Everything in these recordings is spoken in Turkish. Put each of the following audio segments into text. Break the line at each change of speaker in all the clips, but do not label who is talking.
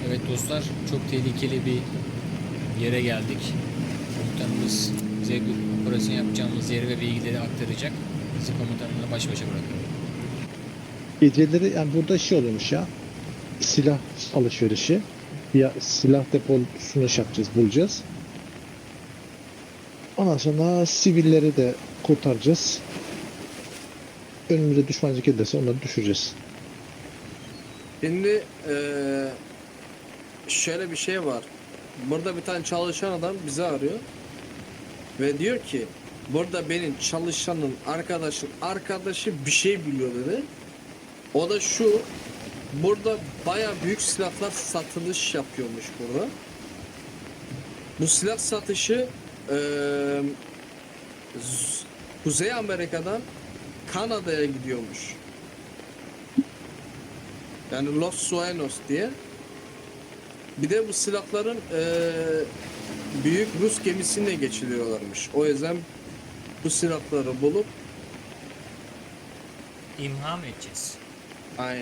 Evet dostlar, çok tehlikeli bir yere geldik. Komutanımız bize operasyon yapacağımız yeri ve bilgileri aktaracak. Bizi komutanımla baş başa bırakıyor.
Geceleri yani burada şey oluyormuş ya. Silah alışverişi. Ya silah deposunu şey yapacağız, bulacağız. Ondan sonra sivilleri de kurtaracağız. Önümüze düşman gelirse onları düşüreceğiz.
Şimdi şöyle bir şey var. Burada bir tane çalışan adam bizi arıyor. Ve diyor ki burada benim çalışanın arkadaşı bir şey biliyor dedi. O da şu. Burada baya büyük silahlar satılış yapıyormuş burada. Bu silah satışı Kuzey Amerika'dan Kanada'ya gidiyormuş. Yani Los Sueños diye. Bir de bu silahların büyük Rus gemisine geçiliyorlarmış. O yüzden bu silahları bulup
İmha mı edeceğiz?
aynen.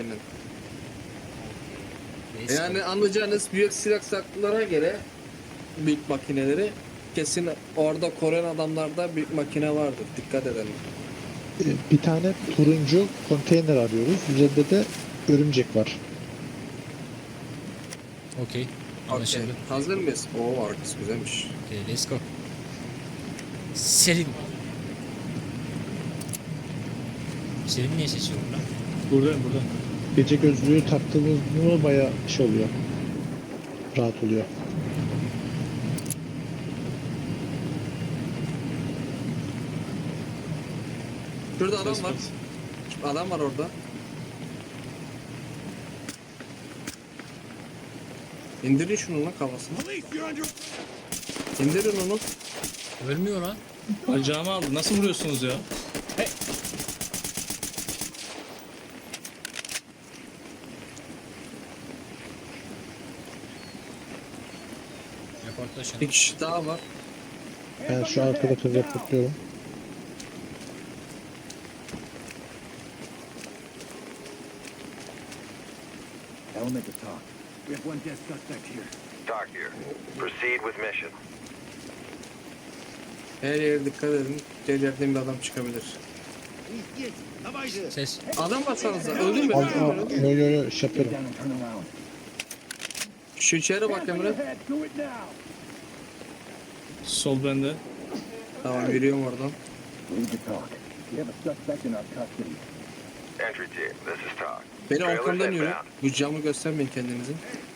Neyse.
Yani anlayacağınız büyük silah saklılara göre büyük makineleri kesin orada Koreyan adamlarda büyük makine vardır. Dikkat edelim.
Bir tane turuncu konteyner arıyoruz. Üzerinde de örümcek var.
Okey.
Okay.
Anlaşıldı.
Hazır mıyız? Oo, arkası güzelmiş.
Okay, let's go. Selim. Selim niye seçiyor burada?
Buradayım burada.
Gece gözlüğü taktığımız mı bayağı şey oluyor. Rahat oluyor.
Şurada adam
Ses
var.
bas.
Adam var orada. İndirin şunu lan kafasına. İndirin onu.
Ölmüyor lan.
Bacağımı aldı. Nasıl vuruyorsunuz ya?
Reportla şunu.
Bir kişi daha var.
Ben şu arkada reportluyorum.
Element to talk. We have one dead suspect here.
Talk here. Proceed with mission.
Her yere dikkat edin. Her yerden bir adam çıkabilir.
Ses.
Adam baksanıza. Öldü mü?
Yo şey
Get
yapıyorum.
down and turn around.
Şu içeri bak Emre.
Do it now.
Sol bende.
Tamam yürüyorum oradan.
We need to talk. We have a suspect in our custody.
Entry team, this is Talk.
Beni
Trailers
arkamdan yürü.
inbound.
Bu camı göstermeyin kendinizi.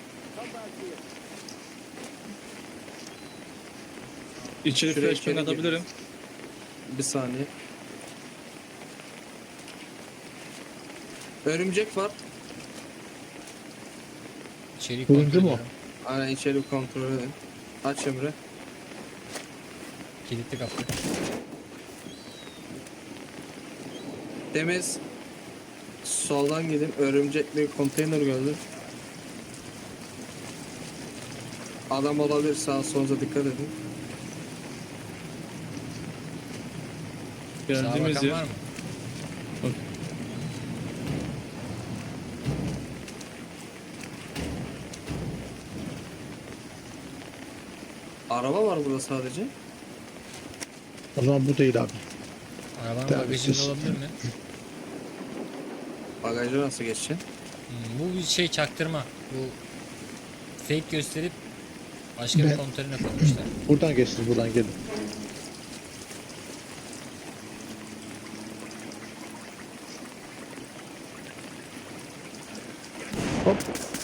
İçeri
Şuraya
flashbang
içeri
atabilirim.
Bir saniye. Örümcek var.
İçeriği
Turuncu
kontrol
mu?
ediyorum.
Aynen içeri kontrol edin. Aç Emre.
Kilitli kapı.
Temiz. Soldan gidin. Örümcekli konteyner gördüm. Adam olabilir. Sağa solunuza dikkat edin.
Sağa
Geldiğimiz
bakan
yer.
var mı?
Bak.
Araba var burada sadece.
O zaman bu değil abi.
Arabanın
Tabii,
bagajında
siz-
olabilir mi?
Bagajı nasıl geçeceksin?
Bu bir şey çaktırma. Bu fake gösterip başka bir
Ben-
komutanına koymuşlar.
Buradan geçsin, buradan gelin. Hop.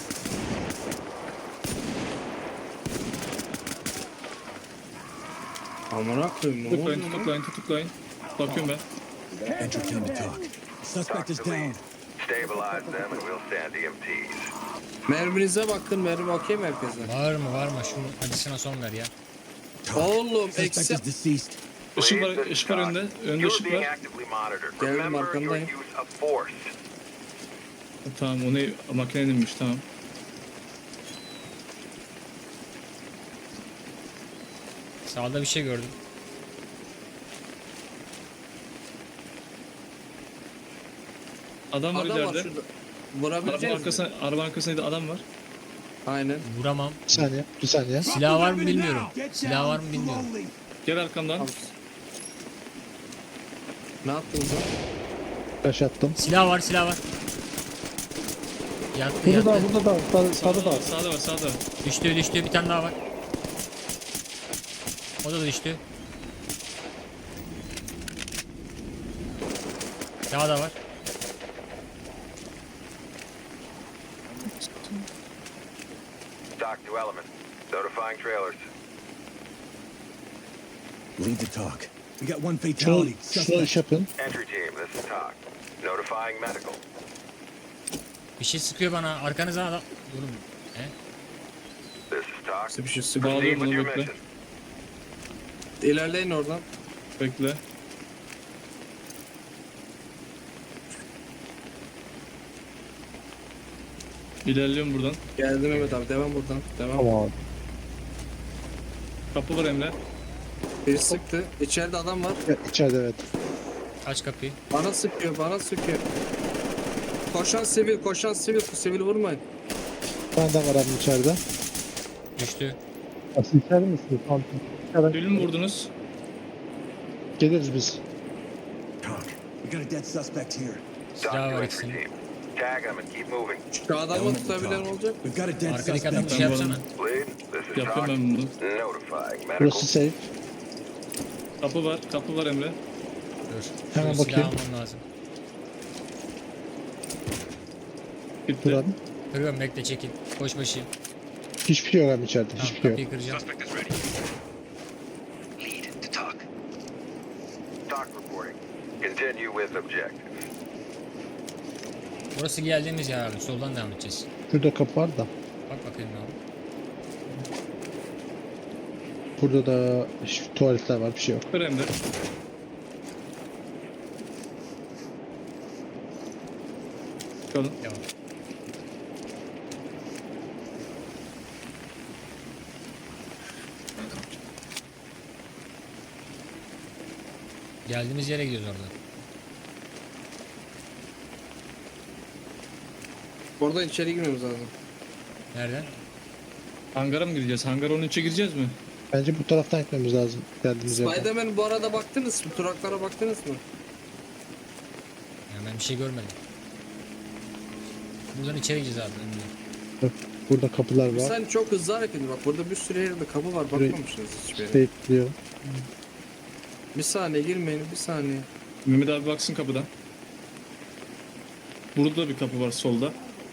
Amına koyayım ne oldu
Tutuklayın,
lan?
tutuklayın, tutuklayın. Bakıyorum ben.
Entry team to talk. Suspect is
Talk to lead.
down.
Stabilize them and we'll send EMTs.
Merminize bakın. Mermi okey mi herkese?
Var mı var mı? Şunun acısına son ver ya.
Oğlum
Suspect
eksi...
is deceased.
Işık var,
Lead, this is
ışık var
Talk.
önde. Önde
You're
ışık
being
var.
actively monitored.
Geldim,
Remember your
arkandayım.
use of force.
Tamam, o ne? Makinenin inmiş, tamam.
Sağda bir şey gördüm.
Adam var
Adam var
ileride.
şurada.
Arabanın
Vurabileceğiz mi?
arkasında, arabanın arkasında adam var.
Aynen.
Vuramam.
Bir saniye. Bir saniye.
Silah var mı bilmiyorum. Silah var mı bilmiyorum.
Gel arkamdan.
Ne yaptınız lan?
Taş attım.
Silah var, silah var. Yattı,
Burada
yattı.
da burada da. Sağda
Sağda
da.
var, sağda var, sağda var.
Düştü, düştü. Bir tane daha var. O da düştü. Daha da var.
Dock to element. Notifying trailers.
Lead the talk. We got one
Şunu,
fatality.
şunu iş yapın.
Entry team, this is Talk. Notifying medical.
Bir şey sıkıyor bana. Arkanıza adam. Oğlum. He?
This is Talk.
Size bir şey
Proceed
Bağlıyorum
with
onu,
your
bekle.
mission.
İlerleyin oradan.
Bekle. İlerliyorum buradan.
Geldim Mehmet abi. Devam buradan. Devam.
Tamam.
Kapı var Emre.
Biri sıktı. İçeride adam var.
İçeride evet.
Aç kapıyı.
Bana sıkıyor. Bana sıkıyor. Koşan sivil. Koşan sivil. Sivil vurmayın.
Ben de var abim içeride.
Düştü.
Asıl içeride misiniz? Tamam.
Ölü mü vurdunuz?
Geliriz biz.
Talk. We got a dead suspect here.
Silah
Dock
var
to entry
ikisinin.
team. Tag them and keep moving.
Şu adamı tutabilen olacak.
We've got a dead
Arkadaki adam
suspect.
bir şey
Ben bu
yapsana.
Lead, this is
Yapıyorum
Talk.
ben bunu.
Notifying medical.
Burası safe.
Kapı var Emre.
Dur.
Hemen
Şu silahı
bakayım.
almam lazım.
Bitti.
Dur abi.
Kırıyorum, bekle, çekil. Koş başı.
Hiçbir şey yok abi içeride.
Tamam,
Hiçbir şey yok.
kapıyı kıracağım.
Talk reporting. Continue with objective.
Burası geldiğimiz yer abi. Soldan devam edeceğiz.
Şurada kapı var da.
Bak bakayım abi.
Burada da tuvaletler var. Bir şey yok.
Kır Emre. Çıkalım.
Devam. Geldiğimiz yere gidiyoruz orada.
Oradan içeri girmemiz lazım.
Nereden?
Hangara mı gireceğiz? Hangar onun içine gireceğiz mi?
Bence bu taraftan gitmemiz lazım. Geldiğimiz yerden.
Spider-Man bu arada baktınız mı? Turaklara baktınız mı?
Yani ben bir şey görmedim. Buradan içeri gireceğiz abi. önüne.
Burada kapılar var.
Sen çok hızlı hareket ediyorsun. Bak burada bir sürü yerde kapı var.
Burayı-
Bakmamışsınız hiçbir yere.
Bekliyorum.
Bir saniye girmeyin. Bir saniye.
Mehmet abi baksın kapıdan. Burada da bir kapı var solda.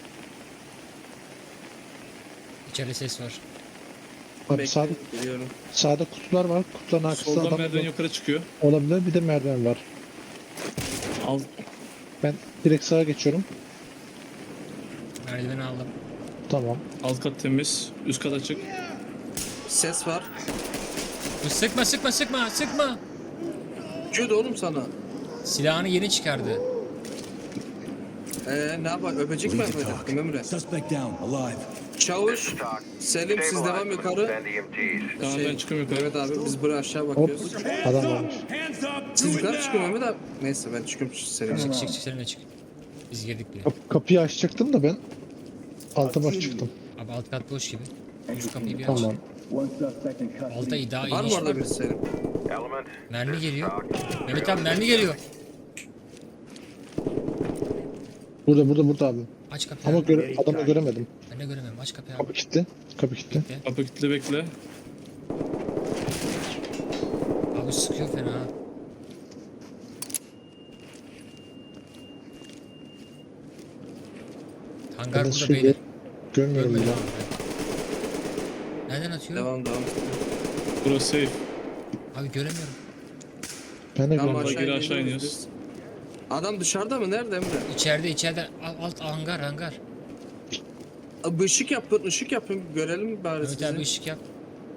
İçeride ses var.
Abi sağda,
Bekleyin, geliyorum.
sağda kutular var. Kutuların arkasında
Soldan
adam
merdiven yukarı çıkıyor.
olabilir. Bir de merdiven var.
Al.
Ben direkt sağa geçiyorum.
Merdiveni aldım.
Tamam.
Alt kat temiz. Üst kat açık.
Ses var.
Dur, sıkma sıkma sıkma sıkma.
Diyordu oğlum sana.
Silahını yeni çıkardı.
Ne yapar? Öpecek mi
Lead the
yapacaktım Emre?
talk. Suspect down. Alive.
This
Çavuş.
is Talk.
Selim siz devam
Stabilize them and
yukarı.
send EMTs.
Tamam ben çıkıyorum yukarı.
Mehmet abi biz buraya aşağı bakıyoruz.
Adam varmış.
Siz yukarı çıkın Mehmet abi. Neyse ben çıkıyorum Selim.
Çık çık çık, seninle çık. Biz girdik bile.
Kapıyı açacaktım da ben alta bak çıktım.
Abi alt kat boş gibi. Şu kapıyı bir aç.
Tamam.
Alta daha
Var
iyi
mı
iş
orada
var.
bir Selim?
Element.
Mermi
this is
geliyor.
Talk.
Mehmet abi mermi geliyor.
Burada abi.
Aç kapıyı
Ama
abi.
adamı göremedim.
Ben de göremiyorum. Aç kapıyı
Kapı
abi.
kilitli. Kapı kilitli.
Bekle.
Kapı kilitli bekle.
Abi sıkıyor fena. ha. Hangar
Ben de
burada
şu
beyler.
görmüyorum
Görmedim
bile.
abi. Nereden atıyor?
Devam devam.
Burası safe.
Abi göremiyorum.
Ben de
Tamam
görmüyorum.
geri aşağı
iniyoruz
iniyoruz.
biz. Adam dışarıda mı? Nerede Emre?
İçeride alt hangar.
Abi ışık yapın, ışık yapın. Görelim bari
Mehmet abi
sizi.
ışık yap.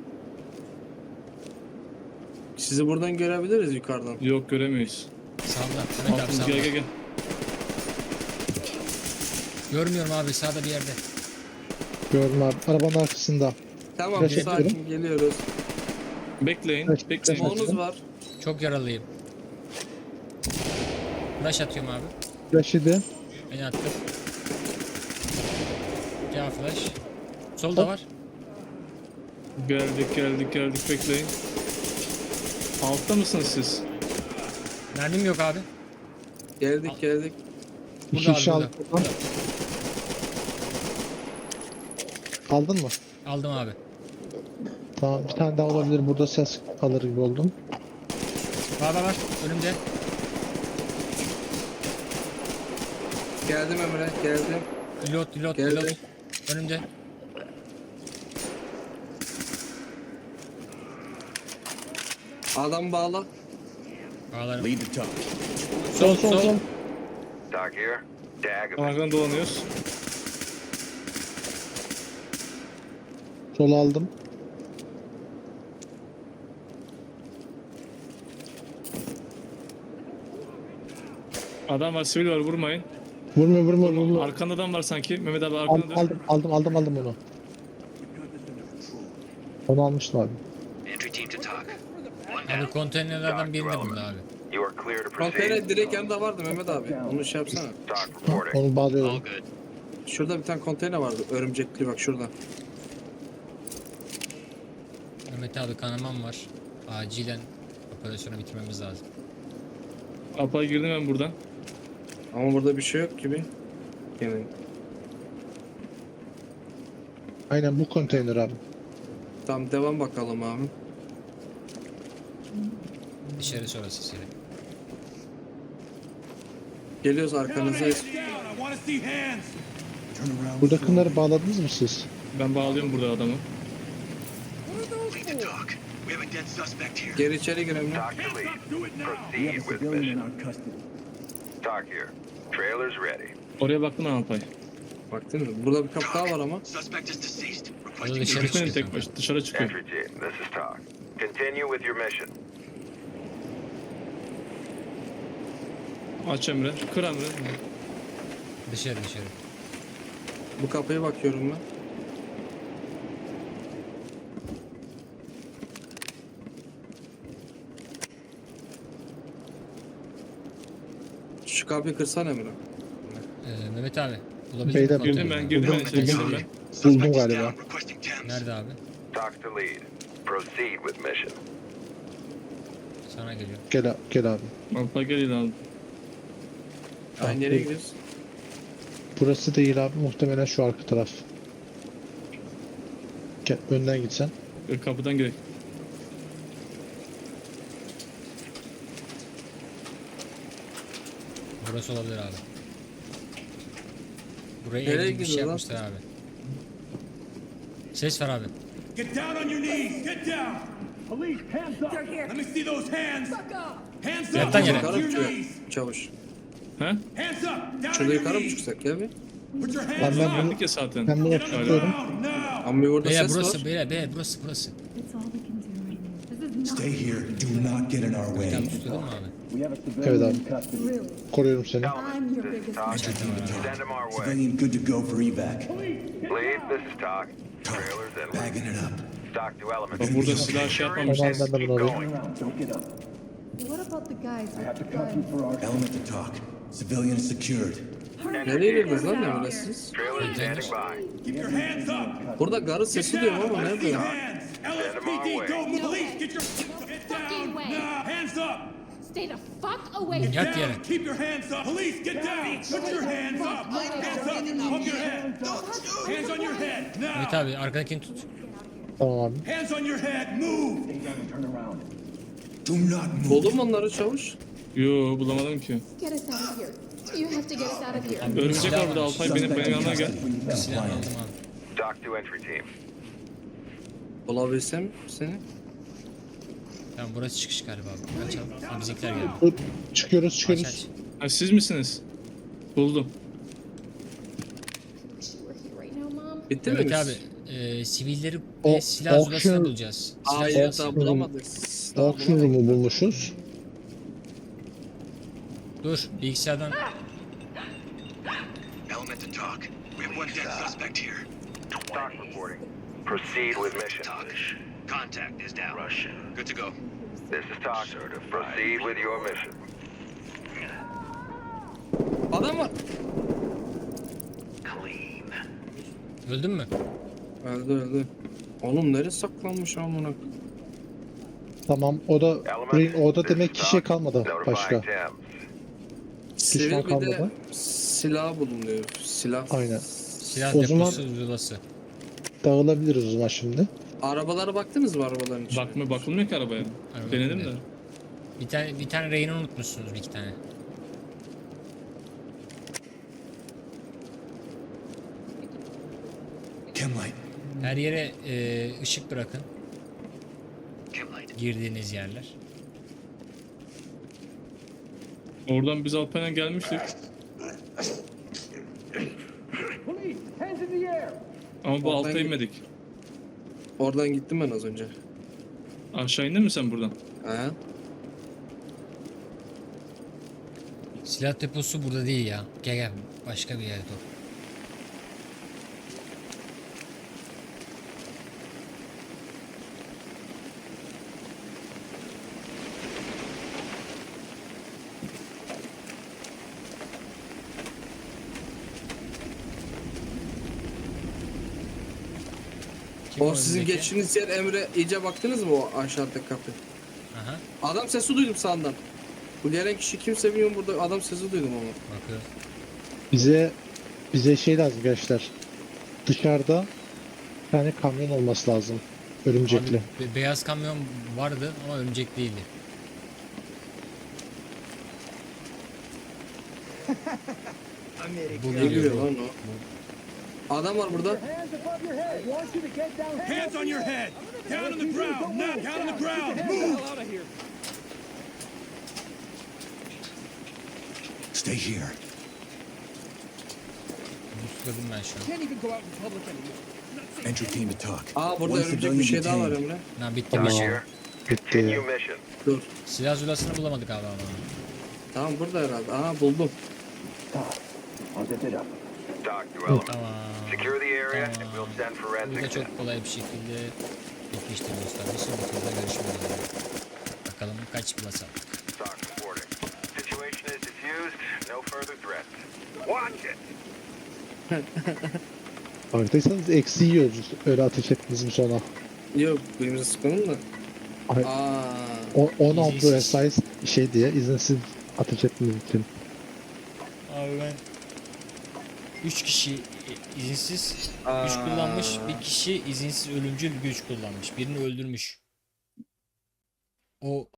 Sizi buradan görebiliriz yukarıdan.
Yok göremeyiz.
Sağda. Mehmet abi
Altımız
sağda.
gel.
Görmüyorum abi sağda bir yerde.
Gördüm abi. Arabanın arkasında.
Tamam
Flash
sakin
atıyorum.
geliyoruz.
Bekleyin.
Evet,
Bekleyin.
flash
Monuz var.
Çok yaralıyım. Flash atıyorum abi.
Flash yedi.
Beni attı. Ya flash. Solda var.
Geldik bekleyin. Altta mısınız siz?
Mermim yok abi.
Geldik.
İki
Burada
kişi
abi,
aldım. buradan. Aldın mı?
Aldım abi.
Tamam, bir tane daha olabilir. Burada ses alır gibi oldum.
Var. Önümde.
Geldim Emre, geldim.
Reload.
Geldi.
Önümde.
Adam bağla.
Bağlarım.
Lead the talk.
Sol.
Doc here. Dag.
Arkadan dolanıyoruz.
Sol aldım.
Adam var, sivil var, vurmayın.
Vurma.
Arkanda adam var sanki. Mehmet abi arkanda dön.
Aldım onu. Onu almıştım abi.
Entry team to talk.
Abi konteynerlerden birinde bunda abi.
You are clear to proceed.
Konteyner direkt yanında vardı Mehmet abi. Onu şey yapsana.
Doc reporting.
Onu
All
bağlıyorum.
good.
Şurada bir tane konteyner vardı. Örümcekli bak şurada.
Mehmet abi kanamam var. Acilen operasyonu bitirmemiz lazım.
Alpay girdim ben buradan.
Ama burada bir şey yok gibi. Yani
Aynen bu konteyner abi.
tam devam bakalım abi.
Dışarı sonrası seri.
Geliyoruz arkanızdayız.
Turn around.
Buradakileri bağladınız mı siz?
Ben bağlıyorum burada adamı.
Lead the talk. We have a dead suspect here.
Geri içeri girelim.
Doc to lead.
We have
Proceed
a
with
civilian in
mission.
our custody.
Doc here. Trailers ready.
Oraya baktın mı Alpay?
Baktın mı? Burada bir kapı daha var ama.
Suspect is deceased.
Orada
Requesting
dışarı
Gitmeyin
çıkıyor.
tek baş. Dışarı çıkıyor.
Entry team, this is Doc. Continue with your mission.
Aç Emre. Kır Emre.
Dışarı.
Bu kapıya bakıyorum ben. Şu kapıyı kırsana Emre.
Mehmet abi. Bulabildin
Beyler,
mi
Girdim
konteyneri?
ben, girdim ben.
Buldum.
Girdim ben.
Buldum
Suspect is
galiba.
down. Requesting TEMS.
Nerede abi?
Doc to lead. Proceed with mission.
Sana geliyor.
Gel abi.
Alpay gel ilan.
Ay nereye gidiyoruz?
Burası değil abi. Muhtemelen şu arka taraf. Gel önden gitsen.
Kapıdan girek.
Burası olabilir abi. Buraya
Nereye
ev gibi bir şey
gidiyor lan?
yapmışlar abi. Ses var abi.
Get down on your knees. Get down.
Police, hands up.
Let me see those hands. Hands up.
Yattan yere.
Yukarı
To your
mı çıkıyor?
knees.
Çavuş.
He?
Hands up. Down on
Şurada
your
yukarı mı
knees.
çıksak ya bir?
Put your
Ben
hands
bunu
up.
Geldik ya zaten.
ben bunu
Get on the
tutuyorum.
ground now.
Ama bir burada
Beyler
ses
burası.
var.
Beyler burası.
It's all we can do right now. This is not
Stay here. Do not get in our
Bir
way.
tane tutuyordun mu abi?
We have a
Evet
civilian
abi.
in custody.
really.
Koruyorum seni.
I'm your
This is
biggest
Doc.
Entry team to talk.
Send him our way.
Civilian good to go for evac.
Lead, this is Doc.
Talk.
Trailers inward.
Bagging it up.
Doc to element.
Bak burada silah şey yapmamışlar.
Tamam, ben de
Keep
bunu alayım.
going.
Turn around. Don't get up.
What about the guys
I have
with
to
the
cut you
guns?
for our element to talk. Civilian is secured.
Nereye girdiniz lan Emre siz?
Trailers standing by.
Keep your hands up.
Burada garı sesi duyuyorum ama
Let's see
nerede?
hands. LSPD, go move. Police, get your get down
fucking way.
now. Hands up.
Stay the fuck away.
Get
Yat
down.
yere.
Keep your hands up. Police, get down. Put your hands up. Hands up. Up your head. Hands on your head
Mehmet
now.
abi arkadakini tut.
Tamam abi.
Hands on your head. Move.
Turn around. Do not move.
Buldun mu onları çavuş?
Yo bulamadım ki.
Get us out of here. You have to get us out of here.
Örümcek var burada Alpay benim yanına gel.
Silah aldım abi.
Doc to entry team.
Bulabilsem seni.
Tamam burası çıkış galiba abi. Açalım. Ha, bizimkiler geldi.
Dur, Çıkıyoruz
Aç
çıkıyoruz.
aç.
Ha, siz misiniz? Buldum.
Wish you were here right now, Mom.
Bitti mi
Evet
biz?
abi. Sivilleri
O-
ve silah zulasını
auction-
bulacağız. Silah
Hayır
zulası.
daha bulamadık. Daha
Auction
bulamadık.
room'u bulmuşuz.
Dur bilgisayardan.
Element to talk. We have one dead suspect here.
Doc reporting. Proceed with mission.
Talk. Contact is down. Russian. Good to go.
This is Doc. Proceed with your mission.
Adam var.
Clean.
Öldün mü?
Öldü. Oğlum neresi saklanmış amına?
Tamam o da orada demek ki şey kalmadı başka.
Notifying Thames.
Sivil
Düşman
bir de
kalmadı.
silah bulunuyor. Silah.
Aynen.
Silah
O zaman-
deposu zulası.
Dağılabiliriz o zaman şimdi.
Arabalara baktınız mı arabaların içine?
Bakılmıyor ki arabaya.
Araba
Denedim
bakılmıyor.
de.
Bir tane reyini unutmuşsunuz, bir iki tane.
Chemlight.
Her yere ışık bırakın. Girdiğiniz yerler.
Oradan biz Alpen'e gelmiştik. Ama bu
Oradan
alta
git.
inmedik.
Oradan gittim ben az önce.
Aşağı indin mi sen buradan?
He?
Silah deposu burada değil ya. Gel başka bir yerde o. Kim
O sizin
önündeki?
geçtiğiniz yer Emre iyice baktınız mı o aşağıdaki kapı?
Aha,
Adam sesi duydum sağından. Bu gelen kişi kimse bilmiyorum burada adam sesi duydum ama.
bakıyorum.
Bize şey lazım gençler. Dışarıda bir tane kamyon olması lazım. Örümcekli.
Abi, beyaz kamyon vardı ama örümcek değildi. Bu
Ne
geliyor
biliyor
bu.
lan o? Adam var burada.
Hands on your head. Down on the ground. Now down on the ground. Move. Stay here.
Busladım ben şu an.
Entry team to talk.
Aa burada
One
örümcek bir
civilian
şey daha var
detained.
Emre.
Ha, bitti
Tamam.
bir şey.
Here.
Bitti.
Continue mission.
Dur.
Silah zulasını bulamadık abi ama.
Tamam burada herhalde. Aha buldum.
Dock development.
Tamam.
Secure the area and
Tamam.
we'll send
Burada
forensics in.
çok kolay bir şekilde yetiştiriyoruz tabii. Sonra turda görüşmek üzere. Bakalım kaç plus aldık.
Dock reporting. Situation is diffused. No further threats. Watch it.
Farkındaysanız eksi yiyoruz. Öyle ateş ettiniz mi sonra?
Yok birimize sıkalım da.
Ay,
Aa.
16
İzinsiz.
size şey diye izinsiz ateş ettiğiniz için.
Abi ben 3 kişi izinsiz
Aa.
güç kullanmış, bir kişi izinsiz ölümcül güç kullanmış. Birini öldürmüş. O